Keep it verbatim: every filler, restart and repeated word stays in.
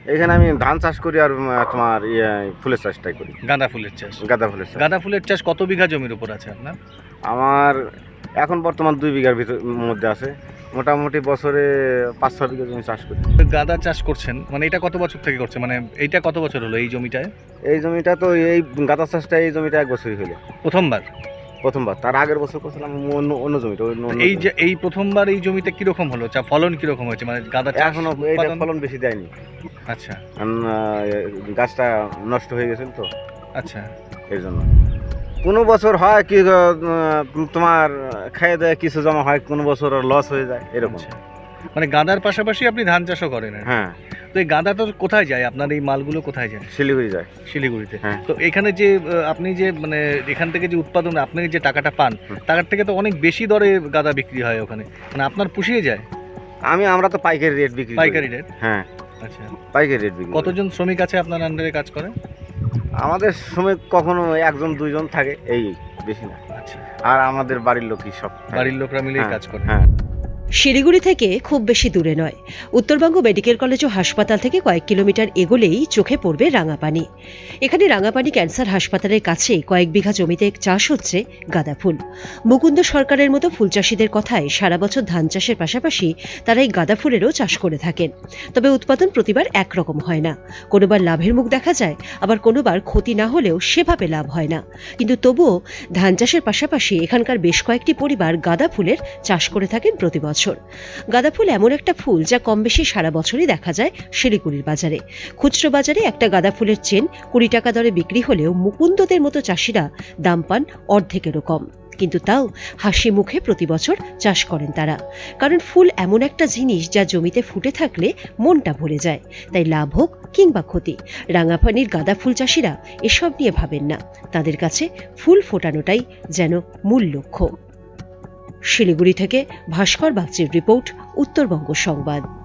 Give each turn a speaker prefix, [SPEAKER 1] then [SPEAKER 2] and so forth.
[SPEAKER 1] এখানে আমি ধান চাষ করি আর উম, তোমার ইয়ে ফুলের চাষটাই করি।
[SPEAKER 2] গাঁদা ফুলের চাষ।
[SPEAKER 1] গাঁদা ফুলের চাষ।
[SPEAKER 2] গাঁদা ফুলের চাষ কত বিঘা জমির উপর আছে আপনার?
[SPEAKER 1] আমার এখন বর্তমান দুই বিঘার ভিতর মধ্যে আছে। মোটামুটি বছরে পাঁচ ছ বিঘা জমি চাষ করি।
[SPEAKER 2] গাঁদা চাষ করছেন মানে এটা কত বছর থেকে করছেন, মানে এইটা কত বছর হলো এই জমিটায়?
[SPEAKER 1] এই জমিটা তো এই গাঁদা চাষটা এই জমিটা এক বছরই হলো
[SPEAKER 2] প্রথমবার?
[SPEAKER 1] প্রথমবার। তার আগের বছর করছিলাম অন্য অন্য জমিটা। অন্য অন্য
[SPEAKER 2] এই যে
[SPEAKER 1] জমিটা।
[SPEAKER 2] এই প্রথমবার এই জমিতে কিরকম হলো, চা ফলন কিরকম হয়েছে, মানে গাঁদা চাষ
[SPEAKER 1] এখনো এইটা
[SPEAKER 2] উৎপাদন?
[SPEAKER 1] ফলন বেশি দেয়নি,
[SPEAKER 2] আচ্ছা
[SPEAKER 1] কারণ আহ, গাছটা নষ্ট হয়ে গেছিল তো,
[SPEAKER 2] আচ্ছা।
[SPEAKER 1] এই জন্য। কোনো বছর হয় কি আহ, তোমার খেয়ে দেয় কিছু জমা হয়, কোনো বছর লস হয়ে যায়, এরকম।
[SPEAKER 2] আচ্ছা। মানে গাঁদার পাশাপাশি আপনি ধান চাষও করেন আর কি?
[SPEAKER 1] হ্যাঁ,
[SPEAKER 2] তো এই গাঁদা তো কোথায় যায়, আপনার এই মালগুলো কোথায় যায়?
[SPEAKER 1] শিলিগুড়ি যায়।
[SPEAKER 2] শিলিগুড়িতে।
[SPEAKER 1] হ্যাঁ।
[SPEAKER 2] তো এখানে যে আহ, আপনি যে মানে এখান থেকে যে উৎপাদন আপনি যে টাকাটা পান,
[SPEAKER 1] হুম।
[SPEAKER 2] টাকার থেকে তো অনেক বেশি দরে গাঁদা বিক্রি হয় ওখানে, মানে আপনার পুষিয়ে যায়?
[SPEAKER 1] আমি আমরা তো পাইকারি রেট বিক্রি করি।
[SPEAKER 2] পাইকারি রেট?
[SPEAKER 1] হ্যাঁ,
[SPEAKER 2] আচ্ছা।
[SPEAKER 1] পাইকারি রেট বিক্রি করি।
[SPEAKER 2] কতজন শ্রমিক আছে আপনার আন্ডারে কাজ করে?
[SPEAKER 1] আমাদের সময় কখনো একজন দুইজন থাকে, এই বেশি না।
[SPEAKER 2] আচ্ছা,
[SPEAKER 1] আর আমাদের বাড়ির লোকই সব থাকে।
[SPEAKER 2] বাড়ির লোকরা মিলেই
[SPEAKER 1] হ্যাঁ,
[SPEAKER 2] কাজ করে।
[SPEAKER 1] হ্যাঁ।
[SPEAKER 3] শিলিগুড়ি থেকে খুব বেশি দূরে নয়, উত্তরবঙ্গ মেডিকেল কলেজ ও হাসপাতাল থেকে কয়েক কিলোমিটার এগোলেই চোখে পড়বে রাঙাপানি। এখানে রাঙাপানি ক্যান্সার হাসপাতালের কাছে কয়েক বিঘা জমিতে চাষ হচ্ছে গাঁদা ফুল। মুকুন্দ সরকারের মতো ফুল চাষিদের কথায় সারা বছর ধান চাষের পাশাপাশি তারা এই গাঁদা ফুলেরও চাষ করে থাকেন। তবে উৎপাদন প্রতিবার একরকম হয় না, কোনোবার লাভের মুখ দেখা যায়, আবার কোনোবার ক্ষতি না হলেও সেভাবে লাভ হয় না। কিন্তু তবুও ধান চাষের পাশাপাশি এখানকার বেশ কয়েকটি পরিবার গাঁদা ফুলের চাষ করে থাকেন প্রতি বছর। গাঁদা ফুল এমন একটা ফুল যা কম বেশি সারা বছরই দেখা যায় শিলিগুড়ির বাজারে। খুচরো বাজারে একটা গাঁদা ফুলের চেন কুড়ি টাকা দরে বিক্রি হলেও মুকুন্দদের মতো চাষিরা দাম পান অর্ধেকেরও কম। কিন্তু তাও হাসি মুখে প্রতি বছর চাষ করেন তারা, কারণ ফুল এমন একটা জিনিস যা জমিতে ফুটে থাকলে মনটা ভরে যায়। তাই লাভ হোক কিংবা ক্ষতি, রাঙাপানির গাঁদা ফুল চাষিরা এসব নিয়ে ভাবেন না। তাদের কাছে ফুল ফোটানোটাই যেন মূল লক্ষ্য। শিলিগুড়ি থেকে ভাস্কর বাগচির রিপোর্ট, উত্তরবঙ্গ সংবাদ।